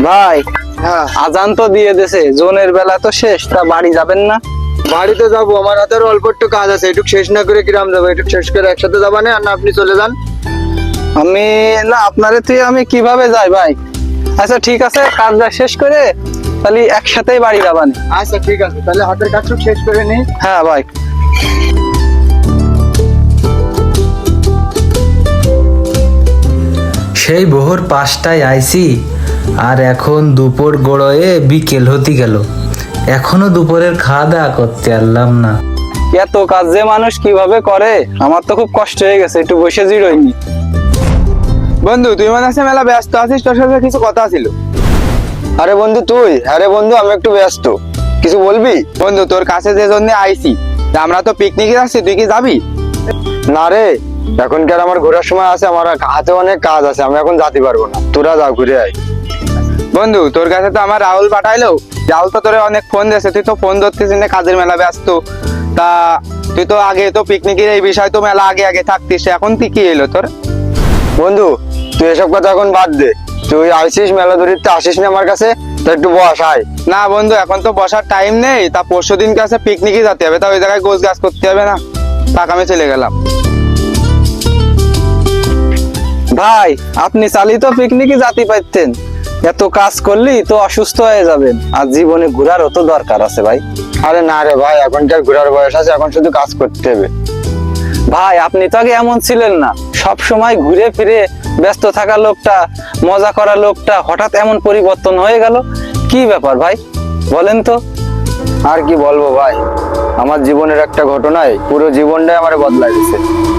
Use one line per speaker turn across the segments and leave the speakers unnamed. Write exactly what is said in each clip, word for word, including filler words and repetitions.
ভাই
হ্যাঁ
আজান তো দিয়ে দেছে, জোনের বেলা তো শেষ, তা বাড়ি যাবেন না?
বাড়িতে যাবো, আমার হাতে আরো অল্প একটু কাজ আছে, একটু শেষ না করে কিরাম যাবো, একটু শেষ করে একসাথে যাবা না? আর না আপনি চলে যান।
আমি না, আপনারে তুই আমি কিভাবে যাই ভাই? আচ্ছা ঠিক আছে, কাজটা শেষ করে তাহলে একসাথেই বাড়ি যাবান।
আচ্ছা ঠিক আছে, তাহলে হাতের কাজটুকু শেষ করে নিই।
হ্যাঁ ভাই।
সেই ভোর পাঁচটায় আইছি, আর এখন দুপুর গড়য়ে বিকেল হতে গেল, এখনো দুপুরের খাওয়া দাওয়া করতে পারলাম না।
এত কাজ যে মানুষ কিভাবে করে, আমার তো খুব কষ্ট হয়ে গেছে, একটু বসে জিরোইনি।
বন্ধু তুই মনে আছে মেলা ব্যস্ত আছিস, তোর সাথে কিছু কথা ছিল। আরে বন্ধু তুই, আরে বন্ধু আমি একটু ব্যস্ত, কিছু বলবি? বন্ধু তোর কাছে যে জন্য আইছি, আমরা তো পিকনিকে যাচ্ছি, তুই কি যাবি? না রে, এখনকার আমার ঘোরার সময় আছে, আমার হাতে অনেক কাজ আছে, আমি এখন যেতে পারবো না, তোরা যা ঘুরে আয়। বন্ধু তোর কাছে তো আমার রাহুল পাঠাইলো, রাহুল তো তোরে অনেক ফোন দিয়েছে, তুই তো ফোন ধরতেছিস না, কাজের মেলা ব্যস্ত। তা তুই তো আগে তো পিকনিকের এই বিষয় তো মেলা আগে আগে থাকতিস, এখন তুই কি এলো তোর? বন্ধু তুই এসব কথা এখন বাদ দে, তুই আইসিস মেলা ধরিতে আসিস না আমার কাছে, তো একটু বস আয়। না বন্ধু এখন তো বসার টাইম নেই, তা পরশু দিন কাছে পিকনিকে যেতে হবে, তা ওই জায়গায় গোছ গাছ করতে হবে না, তাক আমি চলে গেলাম।
ভাই আপনি চালি তো পিকনিকে যাতে পারতেন, এত কাজ করলি তো অসুস্থ হয়ে যাবেন, আর জীবনে ঘোরারও তো দরকার আছে ভাই।
আরে না রে ভাই, এখনকার ঘোরার বয়স আছে, এখন শুধু কাজ করতে হবে।
ভাই আপনি তো আগে এমন ছিলেন না, সব সময় ঘুরে ফিরে ব্যস্ত থাকা লোকটা, মজা করা লোকটা, হঠাৎ এমন পরিবর্তন হয়ে গেল, কি ব্যাপার ভাই বলেন তো?
আর কি বলবো ভাই, আমার জীবনের একটা ঘটনায় পুরো জীবনটাই আমার বদলাই দিয়েছে।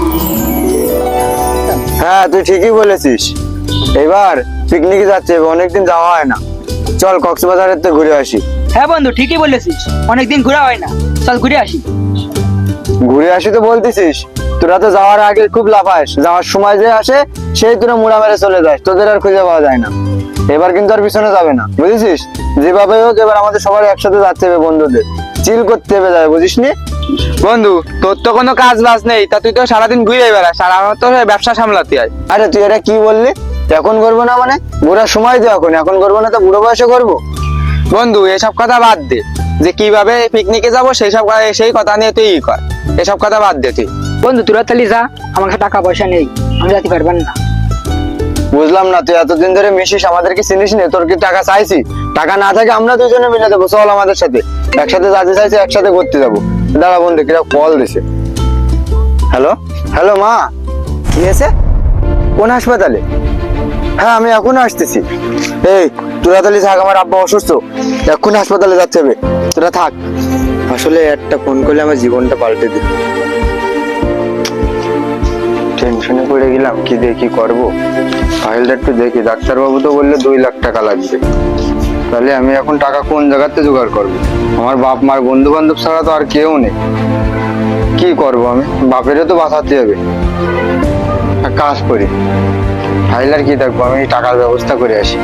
হ্যাঁ তুই ঠিকই বলেছিস, এবার পিকনিকে যাচ্ছে, অনেকদিন যাওয়া হয় না, চল কক্সবাজারের তো ঘুরে আসি।
হ্যাঁ বন্ধু ঠিকই বলেছিস, অনেকদিন ঘোরা হয় না, চল ঘুরে আসি।
ঘুরে আসি তো বলতেছিস, তোরা তো যাওয়ার আগে খুব লাফাস, যাওয়ার সময় যে আসে সেই তোরা মুড়া মেরে চলে যাস, তোদের আর খুঁজে পাওয়া যায় না। এবার কিন্তু আর পিছনে যাবে না, বুঝেছিস? যেভাবে হোক এবার আমাদের সবার একসাথে যাচ্ছে হবে, বন্ধুদের চিল করতে হবে যাবে, বুঝিস নি? বন্ধু তোর তো কোনো কাজ বাজ নেই, তা তুই তো সারাদিন ঘুরে বেড়াস, আর আমার তো ব্যবসা সামলাতে হয়। আরে তুই এটা কি বললি? এখন করবো না মানে? ঘোরার সময় তো এখন, এখন করবো না তো বুড়ো বয়সে করবো? বন্ধু এসব কথা বাদ দে, যে কিভাবে পিকনিকে যাবো সেই সব সেই কথা নিয়ে তুই ই কর, এসব কথা বাদ দে তুই।
বন্ধু তোরা তাহলে যা, আমার কাছে টাকা পয়সা নেই, আমি যেতে পারবেন না।
বুঝলাম না, তুই এতদিন ধরে মিশিস, আমাদেরকে চিনিস নি, তোর কি টাকা চাইছি? টাকা না থাকে আমরা দুজনে মিলে দেবো, চল আমাদের সাথে, একসাথে যাতে চাইছি একসাথে করতে যাবো। দাঁড়া বন্ধু, কিরা কল দিছে। হ্যালো হ্যালো মা, কি হয়েছে? কোন হাসপাতালে? হ্যাঁ আমি এখন আসতেছি। এই তোরা তাহলে থাক, আমার আব্বা অসুস্থ, এখন হাসপাতালে যাচ্ছে হবে, তোরা থাক। আসলে একটা ফোন করলে আমার জীবনটা পাল্টে দিল, টেনশনে পড়ে গেলাম, কি দিয়ে কি করবো। ফাইলটা একটু দেখি, ডাক্তারবাবু তো বললে দুই লাখ টাকা লাগবে, তাহলে আমি এখন টাকা কোন জায়গাতে জোগাড় করবো? আমার বাপ মার বন্ধু বান্ধব ছাড়া তো আর কেউ নেই, কি করব আমি? বাপেরও তো বাঁচাতে হবে। এক কাজ করি, ফাইল আর কি দেখবো, আমি টাকার ব্যবস্থা করে আসি।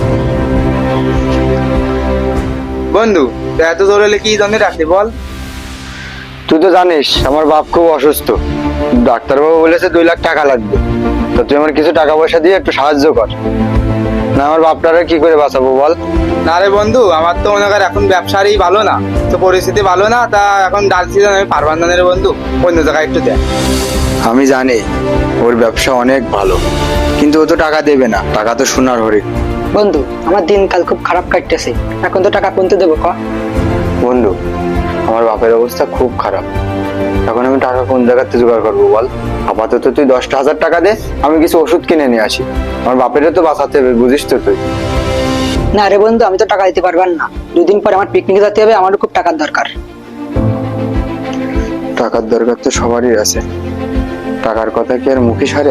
বন্ধু এত জোর হলে কি জন্য রাখলি বল? তুই তো জানিস আমার বাপ খুব অসুস্থ, ডাক্তারবাবু বলেছে দুই লাখ টাকা লাগবে, তো তুই আমার কিছু টাকা পয়সা দিয়ে একটু সাহায্য কর না, আমার বাপটারে কি করে বাঁচাবো বল? না রে বন্ধু, আমার তো মনে কর এখন ব্যবসারই ভালো না, তো পরিস্থিতি ভালো না, তা এখন ডাল সিজন আমি পারবান না রে বন্ধু, অন্য জায়গায় একটু দেখ। আমি জানি ওর ব্যবসা অনেক ভালো, কিন্তু ও তো টাকা দেবে না, টাকা তো সোনার হরিণ।
বন্ধু আমার দিনকাল খুব খারাপ কাটতেছে, এখন তো টাকা কোনতে দেবো ক?
বন্ধু আমার বাপের অবস্থা খুব খারাপ, এখন আমি টাকা কোন জায়গাতে জোগাড় করবো বল? আপাতত তুই দশটা হাজার টাকা দে, আমি কিছু ওষুধ কিনে নিয়ে আসি, আমার বাপেরও তো বাঁচাতে হবে, বুঝিস তো তুই।
না রে বন্ধু, আমি তো টাকা দিতে পারবেন না, দুদিন পরে আমার পিকনিকে যেতে হবে, আমারও খুব টাকার দরকার।
টাকার দরকার তো সবারই আছে, টাকার কথা কি আর মুখে সারে?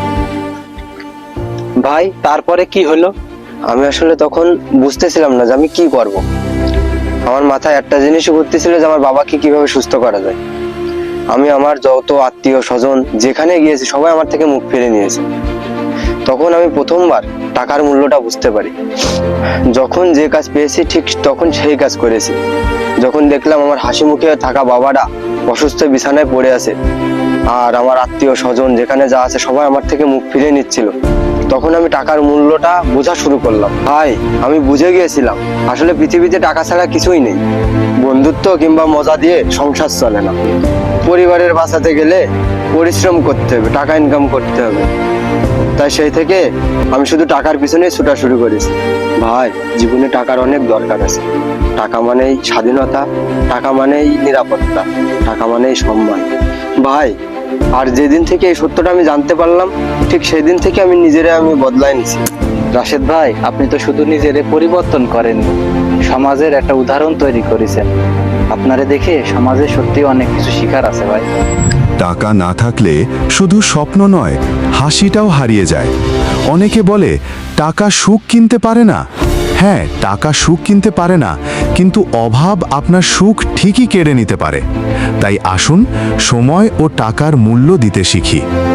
ভাই তারপরে কি হলো?
আমি আসলে তখন বুঝতেছিলাম না যে আমি কি করব, আমার মাথায় একটা জিনিসই ঘুরতেছিল যে আমার বাবাকে কিভাবে সুস্থ করা যায়। আমি আমার যত আত্মীয় স্বজন যেখানে গিয়েছি সবাই আমার থেকে মুখ ফিরে নিয়েছে, তখন আমি প্রথমবার টাকার মূল্যটা বুঝতে পারি। যখন যে কাজ পেয়েছি ঠিক তখন সেই কাজ করেছি। যখন দেখলাম আমার হাসি মুখে থাকা বাবাটা অসুস্থ বিছানায় পড়ে আছে, আর আমার আত্মীয় স্বজন যেখানে যা আছে সবাই আমার থেকে মুখ ফিরে নিচ্ছিল, তখন আমি টাকার মূল্যটা বোঝা শুরু করলাম। ভাই আমি বুঝে গিয়েছিলাম আসলে পৃথিবীতে টাকা ছাড়া কিছুই নেই। বন্ধুত্ব কিংবা মজা দিয়ে সংসার চলে না। পরিবারের বাঁচাতে গেলে পরিশ্রম করতে হবে, টাকা ইনকাম করতে হবে। তাই সেই থেকে আমি শুধু টাকার পিছনে ছুটা শুরু করেছি। ভাই জীবনে টাকার অনেক দরকার আছে। টাকা মানেই স্বাধীনতা, টাকা মানেই নিরাপত্তা, টাকা মানেই সম্মান। ভাই আর যেদিন থেকে এই সত্যটা আমি জানতে পারলাম, ঠিক সেই দিন থেকে আমি নিজেরে আমি বদলাই নিছি।
রাশেদ ভাই, আপনি তো শুধু নিজের পরিবর্তন করেননি, সমাজের একটা উদাহরণ তৈরি করেছেন। আপনারে দেখে সমাজে সত্যি অনেক কিছু শিখার আছে ভাই।
টাকা না থাকলে শুধু স্বপ্ন নয়, হাসিটাও হারিয়ে যায়। অনেকে বলে টাকা সুখ কিনতে পারে না। হ্যাঁ, টাকা সুখ কিনতে পারে না, কিন্তু অভাব আপনার সুখ ঠিকই কেড়ে নিতে পারে। তাই আসুন সময় ও টাকার মূল্য দিতে শিখি।